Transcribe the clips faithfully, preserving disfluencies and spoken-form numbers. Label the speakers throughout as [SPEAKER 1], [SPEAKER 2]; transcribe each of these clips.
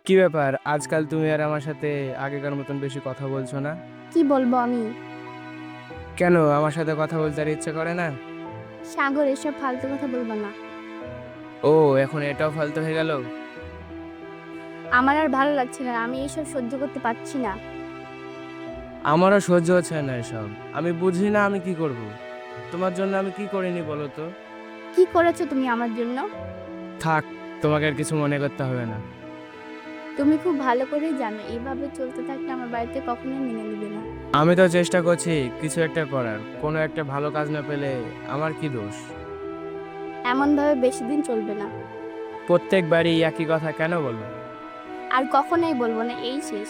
[SPEAKER 1] কি ব্যাপার, আজকাল তুমি আর আমার সাথে আগেকার মতন বেশি কথা বলছো না?
[SPEAKER 2] কি বলবো আমি?
[SPEAKER 1] কেন আমার সাথে কথা বলতে আর ইচ্ছে করে না?
[SPEAKER 2] সাগর, এসব ফালতু কথা বলবো না।
[SPEAKER 1] ও, এখন এটাও ফালতু হয়ে গেল?
[SPEAKER 2] আমার আর ভালো লাগছে না, আমি এসব সহ্য করতে পারছি না।
[SPEAKER 1] আমারও সহ্য হচ্ছে না এসব। আমি বুঝি না আমি কি করব। তোমার জন্য আমি কি করিনি বলো তো?
[SPEAKER 2] কি করেছো তুমি আমার জন্য?
[SPEAKER 1] থাক, তোমাকে আর কিছু মনে করতে হবে না।
[SPEAKER 2] তুমি খুব ভালো করেই জানো এইভাবে চলতে থাকলে আমার বাড়িতে কখনোই মেনে নিবে না।
[SPEAKER 1] আমি তো চেষ্টা করছি কিছু একটা করার, কোনো একটা ভালো কাজ না পেলে আমার কি দোষ?
[SPEAKER 2] এমন ভাবে বেশি দিন চলবে না।
[SPEAKER 1] প্রত্যেকবারই একই কথা কেন বলো?
[SPEAKER 2] আর কখনোই বলবো না, এই শেষ।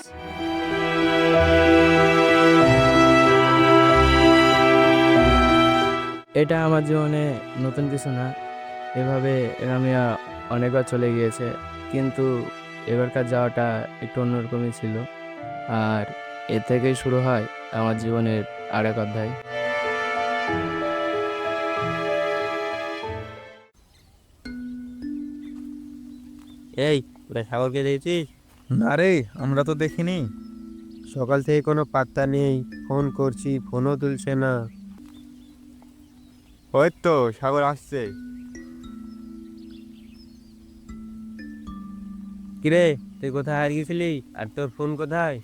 [SPEAKER 1] এটা আমার জীবনে নতুন কিছু না। এভাবে রামিয়া অনেকবার চলে গিয়েছে, কিন্তু এবারকার যাওয়াটা একটু অন্যরকমই ছিল। আর এ থেকেই শুরু হয় আমার জীবনের আরেক অধ্যায়।
[SPEAKER 3] এই, তোরা সাগরকে দেখেছিস?
[SPEAKER 4] না রে, আমরা তো দেখিনি।
[SPEAKER 3] সকাল থেকে কোনো পাত্তা নেই। ফোন করছি, ফোনও তুলছে না।
[SPEAKER 4] ওই তো সাগর আসছে।
[SPEAKER 3] কিরে, তুই কোথায় হারিয়ে গেছিলি? আর তোর ফোন কোথায়?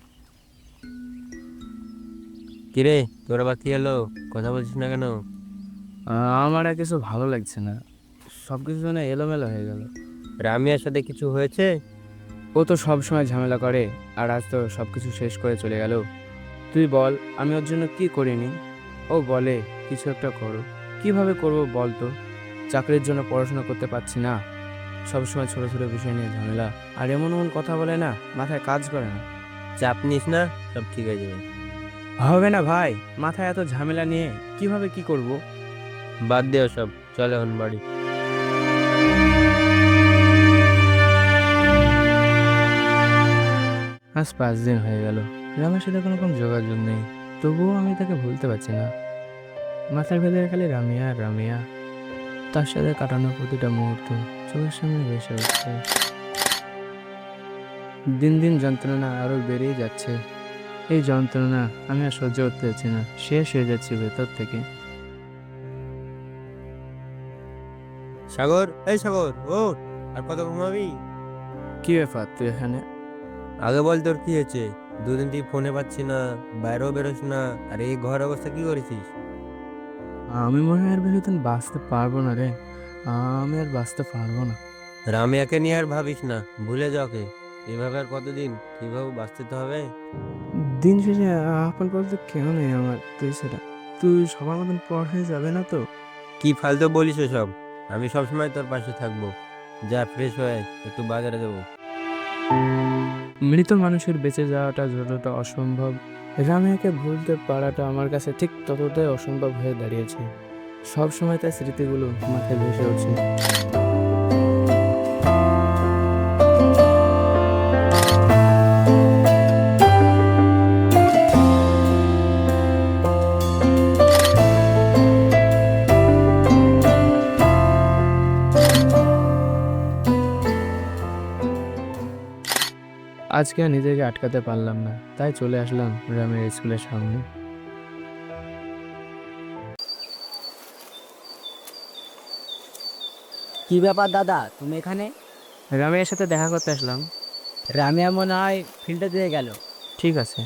[SPEAKER 3] কিরে, তোর আবার কি হলো? কথা বলছিস না কেন?
[SPEAKER 1] আহ, আমার আর কিছু ভালো লাগছে না। সবকিছু যেন এলোমেলো হয়ে গেল।
[SPEAKER 3] রামিয়ার সাথে কিছু হয়েছে?
[SPEAKER 1] ও তো সব সময় ঝামেলা করে, আর আজ তো সবকিছু শেষ করে চলে গেল। তুই বল, আমি ওর জন্য কি করিনি? ও বলে কিছু একটা করো। কিভাবে করব বল তো? চাকরির জন্য পড়াশোনা করতে পারছি না, সবসময় ছোট ছোট বিষয় নিয়ে ঝামেলা। আর এমন এমন কথা বলে না, মাথায় কাজ করে না।
[SPEAKER 3] চাপ নিস না, সব ঠিক হয়ে যাবে।
[SPEAKER 1] হবে না ভাই, মাথায় এত ঝামেলা নিয়ে কিভাবে কি করব?
[SPEAKER 3] বাদ দে সব, চল এখন বাড়ি।
[SPEAKER 1] আজ পাঁচ দিন হয়ে গেল, রামের সাথে কোনো রকম যোগাযোগ নেই। তবুও আমি তাকে ভুলতে পারছি না। মাথার ভেতরে খালি রামিয়া আর রামিয়া। তার সাথে কাটানো প্রতিটা মুহূর্ত চোখের সামনে ভেসে উঠছে। দিন দিন যন্ত্রণা আরো বেড়েই যাচ্ছে। এই যন্ত্রণা আমি আর সহ্য করতে পারছি না, শেষ হয়ে যাচ্ছি ভেতর থেকে।
[SPEAKER 3] সাগর, এই সাগর, ও আর কত ঘুমাবি?
[SPEAKER 1] কি ব্যাপার তুই এখানে?
[SPEAKER 3] আগে বল, তোর কি হয়েছে? দুদিন তুই ফোনে পাচ্ছি না, বাইরেও বেরোস না, আর এই ঘর অবস্থা কি করেছিস?
[SPEAKER 1] আমি মনে হয় আর বেশি দিন বাঁচতে পারবো না রে। আমি আর বাঁচতে পারবো না।
[SPEAKER 3] রামিয়াকে নিয়ে আর ভাবিস না, ভুলে যাওকে। এভাবে আর কতদিন? কিভাবে বাঁচতে তো হবে।
[SPEAKER 1] দিন শেষে আপন বলতে কেউ নেই আমার, তুই সেটা। তুই সবার মতন পর হয়ে যাবে না তো?
[SPEAKER 3] কি ফালতু বলিস সব? আমি সবসময় তোর পাশে থাকবো। যা, ফ্রেশ হয়ে একটু বাজারে দেবো।
[SPEAKER 1] মৃত মানুষের বেঁচে যাওয়াটা যতটা অসম্ভব, রামিয়াকে ভুলতে পারাটা আমার কাছে ঠিক ততটাই অসম্ভব হয়ে দাঁড়িয়েছে। সব সময় তার স্মৃতিগুলো মাথায় ভেসে উঠছে। আজকে আর নিজেকে আটকাতে পারলাম না, তাই চলে আসলাম রামের স্কুলের সামনে।
[SPEAKER 5] কি ব্যাপার দাদা, তুমি এখানে?
[SPEAKER 1] রামের সাথে দেখা করতে আসলাম।
[SPEAKER 5] রামিয়া মনে হয় ফিল্ডে দিয়ে গেল।
[SPEAKER 1] ঠিক আছে।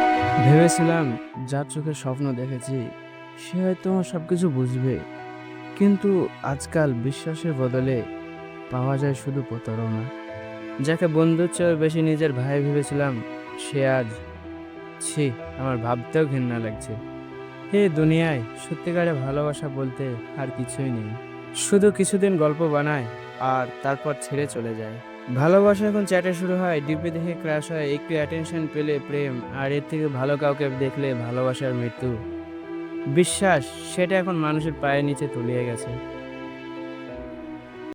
[SPEAKER 1] ভেবেছিলাম যার চোখে স্বপ্ন দেখেছি সে হয়তো আমার সবকিছু বুঝবে, কিন্তু আজকাল বিশ্বাসের বদলে পাওয়া যায় শুধু প্রতারণা। যাকে বন্ধুর চেয়ে বেশি নিজের ভাই ভেবেছিলাম, সে আজ, ছি, আমার ভাবতেও ঘৃণা লাগছে। এই দুনিয়ায় সত্যিকারে ভালোবাসা বলতে আর কিছুই নেই, শুধু কিছুদিন গল্প বানায় আর তারপর ছেড়ে চলে যায়। ভালোবাসা এখন চ্যাটে শুরু হয়, ডিপি দেখে ক্রাশ হয়, একটু অ্যাটেনশন পেলে প্রেম, আর এর থেকে ভালো কাউকে দেখলে ভালোবাসার মৃত্যু। বিশ্বাস, সেটা এখন মানুষের পায়ের নিচে তলিয়ে গেছে।